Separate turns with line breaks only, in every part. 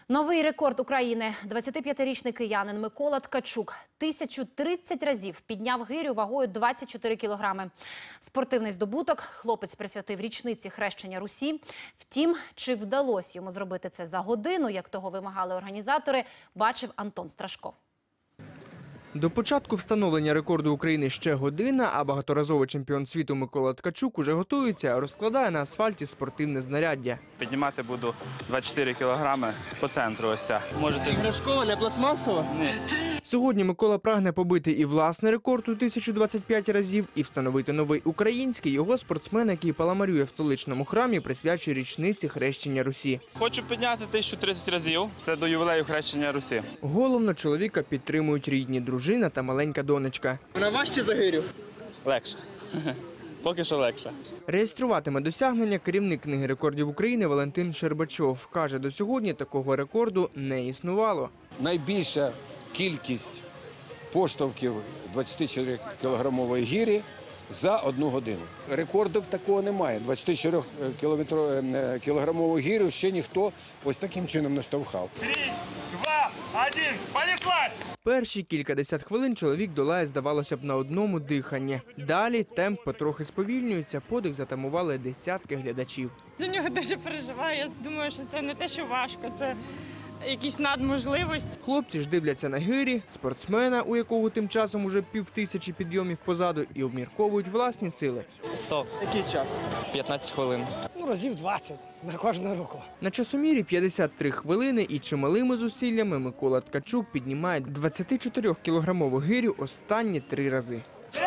Новий рекорд України. 25-річний киянин Микола Ткачук 1030 разів підняв гирю вагою 24 кілограми. Спортивний здобуток хлопець присвятив річниці хрещення Русі. Втім, чи вдалося йому зробити це за годину, як того вимагали організатори, бачив Антон Страшко.
До початку встановлення рекорду України ще година, а багаторазовий чемпіон світу Микола Ткачук уже готується, розкладає на асфальті спортивне знаряддя.
Піднімати буду 24 кілограми по центру ось ця.
Можете іграшкова, не пластмасова?
Ні.
Сьогодні Микола прагне побити і власний рекорд у 1025 разів, і встановити новий український. Його спортсмен, який паламарює в столичному храмі, присвячує річниці хрещення Русі.
Хочу підняти 1030 разів. Це до ювілею хрещення Русі.
Головно, чоловіка підтримують рідні, дружина та маленька донечка.
Вона важче за гирю?
Легше. Поки що легше.
Реєструватиме досягнення керівник книги рекордів України Валентин Щербачов. Каже, до сьогодні такого рекорду не існувало.
Найбільша кількість поштовхів 24-кілограмової гирі за 1 годину. Рекордів такого немає. 24-кілограмову гирю ще ніхто ось таким чином не штовхав.
3, 2, 1, понеслась!
Перші кількадесят хвилин чоловік долає, здавалося б, на одному диханні. Далі темп потрохи сповільнюється, подих затамували десятки глядачів.
За нього дуже переживаю. Я думаю, що це не те, що важко, це якісь надможливості.
Хлопці ж дивляться на гирі, спортсмена, у якого тим часом уже 5000 підйомів позаду, і обмірковують власні сили.
100. Який час? 15 хвилин.
Разів 20 на кожну руку.
На часомірі 53 хвилини і чималими зусиллями Микола Ткачук піднімає 24-кілограмову гирю останні 3 рази.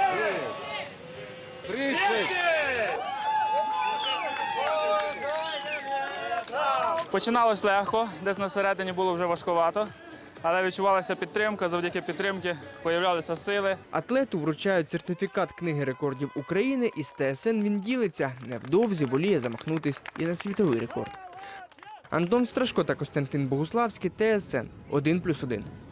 30!
Починалось легко, десь на середині було вже важкувато. Але відчувалася підтримка, завдяки підтримці появлялися сили.
Атлету вручають сертифікат книги рекордів України, і з ТСН він ділиться. Невдовзі воліє замахнутись і на світовий рекорд. Антон Страшко та Костянтин Богуславський, ТСН 1+1.